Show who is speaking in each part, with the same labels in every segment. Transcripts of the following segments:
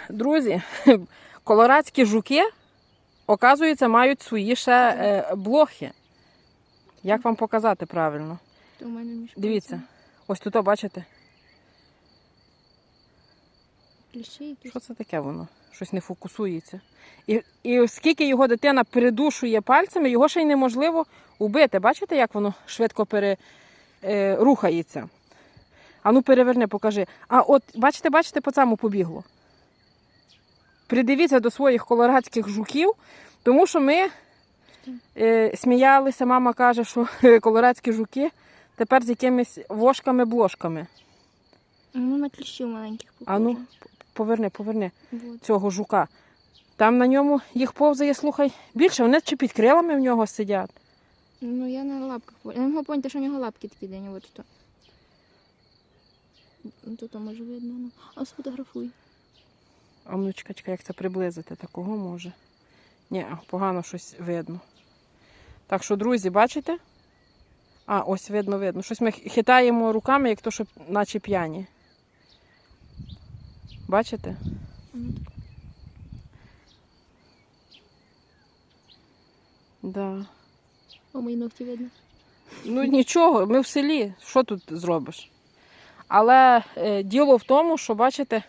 Speaker 1: Друзі, колорадські жуки, оказується, мають свої ще блохи. Як вам показати правильно? Дивіться, ось тут, бачите? Що це таке воно? Щось не фокусується. І оскільки його дитина передушує пальцями, його ще й неможливо убити. Бачите, як воно швидко рухається? А ну переверни, покажи. А от, бачите, по цьому побігло. Придивіться до своїх колорадських жуків, тому що ми сміялися, мама каже, що колорадські жуки тепер з якимись вошками-блошками.
Speaker 2: Ну, на кліщів маленьких похоже.
Speaker 1: А ну, поверни
Speaker 2: Вот.
Speaker 1: цього жука. Там на ньому їх повзає, слухай, більше. Вони чи під крилами в нього сидять.
Speaker 2: Ну, я на лапках. Я не можу поняти, що в нього лапки такі день. От тут. Тут може видно. Ну. А сфотографуй.
Speaker 1: А ну, чекай, як це приблизити? Такого може. Ні, погано щось видно. Так що, друзі, бачите? А, ось видно. Щось ми хитаємо руками, як то, що наче п'яні. Бачите? Да.
Speaker 2: О, мої ногті видно.
Speaker 1: Ну нічого, ми в селі, що тут зробиш? Але діло в тому, що, бачите,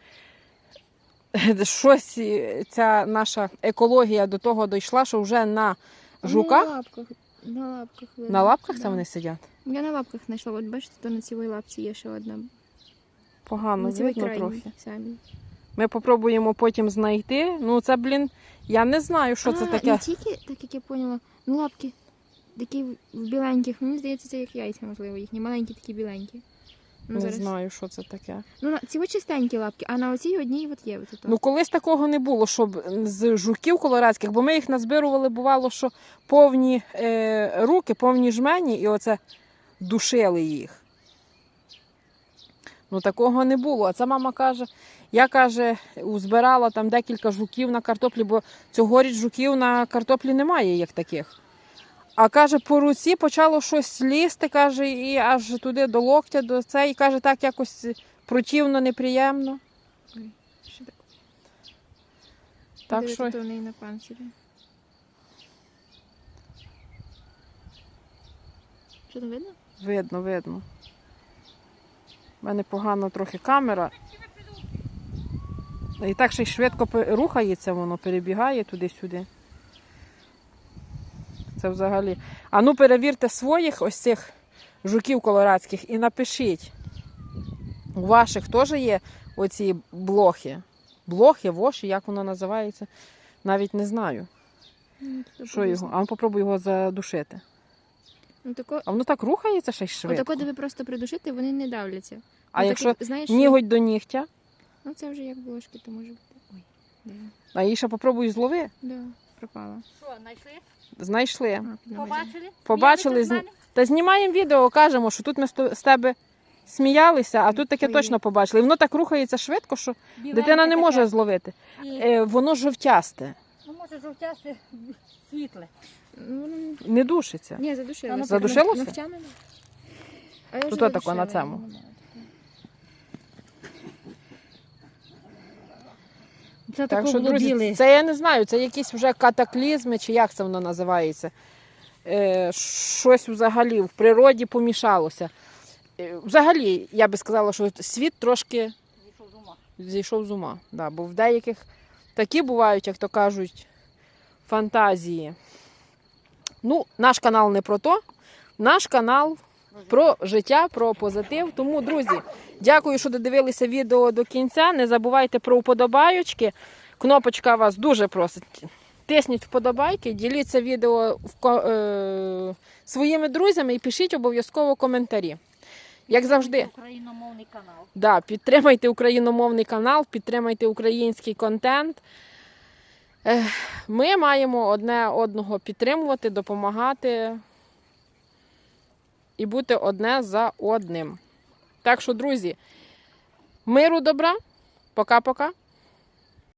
Speaker 1: щось ця наша екологія до того дійшла, що вже на жуках...
Speaker 2: На лапках видно.
Speaker 1: На лапках
Speaker 2: да.
Speaker 1: це вони сидять?
Speaker 2: Я на лапках знайшла. От бачите, то на цій лапці є ще одна.
Speaker 1: Погано
Speaker 2: на цій
Speaker 1: видно
Speaker 2: крайній
Speaker 1: трохи.
Speaker 2: самій.
Speaker 1: Ми попробуємо потім знайти. Ну це, я не знаю, що це таке.
Speaker 2: Не тільки, так як я поняла, ну лапки такі в біленьких. Мені здається, це як яйця, можливо, їхні. Маленькі такі біленькі. Ну,
Speaker 1: Не знаю, що це таке.
Speaker 2: Ну, ці ось чистенькі лапки, а на оцій одній от є. От
Speaker 1: Ну, колись такого не було, щоб з жуків колорадських, бо ми їх назбирували, бувало, що повні руки, повні жмені, і оце душили їх. Ну, такого не було. А це мама каже, я, каже, узбирала там декілька жуків на картоплі, бо цьогоріч жуків на картоплі немає, як таких. А, каже, по руці почало щось лізти, каже, і аж туди до локтя, до цей, і каже, так якось противно, неприємно.
Speaker 2: Ой, що таке?
Speaker 1: Так що...
Speaker 2: То в неї на панцирі. Що там видно?
Speaker 1: Видно. У мене погано трохи камера. І так ще й швидко рухається воно, перебігає туди-сюди. Це взагалі. А ну перевірте своїх ось цих жуків колорадських і напишіть. У ваших теж є оці блохи? Блохи, воші, як воно називається? Навіть не знаю. Що його? А ну попробуй його задушити.
Speaker 2: Ну, тако...
Speaker 1: А воно так рухається ще й швидко.
Speaker 2: Отако, де ви просто придушити, вони не давляться.
Speaker 1: А
Speaker 2: ну,
Speaker 1: якщо
Speaker 2: так, знаєш,
Speaker 1: ніготь до нігтя?
Speaker 2: Ну це вже як блошки, то може бути. Ой, де?
Speaker 1: А її ще попробуй злови.
Speaker 2: Да, пропала.
Speaker 3: Що, знайшли?
Speaker 1: Знайшли.
Speaker 2: А, піднімай.
Speaker 3: Побачили?
Speaker 1: Побачили.
Speaker 3: Сміялися з мене?
Speaker 1: Та знімаємо відео, кажемо, що тут ми з тебе сміялися, а тут таке
Speaker 2: Ой.
Speaker 1: точно побачили. І воно так рухається швидко, що
Speaker 3: Біленьке
Speaker 1: дитина не
Speaker 3: таке.
Speaker 1: може зловити.
Speaker 3: І,
Speaker 1: Воно жовтясте,
Speaker 3: ну, може, жовтясте, світле.
Speaker 2: Ну,
Speaker 1: не душиться.
Speaker 2: ні, задушилося.
Speaker 1: Задушилося?
Speaker 2: Ногтями? А я
Speaker 1: Тут
Speaker 2: вже
Speaker 1: отако
Speaker 2: задушила,
Speaker 1: на цьому.
Speaker 2: я не знаю.
Speaker 3: Це
Speaker 1: Так
Speaker 3: тако
Speaker 1: що,
Speaker 3: було
Speaker 1: друзі,
Speaker 3: біле.
Speaker 1: це я не знаю, це якісь вже катаклізми, чи як це воно називається. Щось взагалі в природі помішалося. Взагалі, я би сказала, що світ трошки
Speaker 3: Зійшов з ума.
Speaker 1: зійшов з ума. Да, бо в деяких такі бувають, як то кажуть, фантазії. Ну, наш канал не про то. Наш канал про життя, про позитив. Тому, друзі, дякую, що додивилися відео до кінця. Не забувайте про вподобайочки. Кнопочка вас дуже просить. Тисніть вподобайки, діліться відео своїми друзями і пишіть обов'язково коментарі. Як завжди.
Speaker 3: Україномовний канал.
Speaker 1: Да, підтримайте україномовний канал, підтримайте український контент. Ми маємо одне одного підтримувати, допомагати і бути одне за одним. Так що, друзі, миру, добра, пока-пока.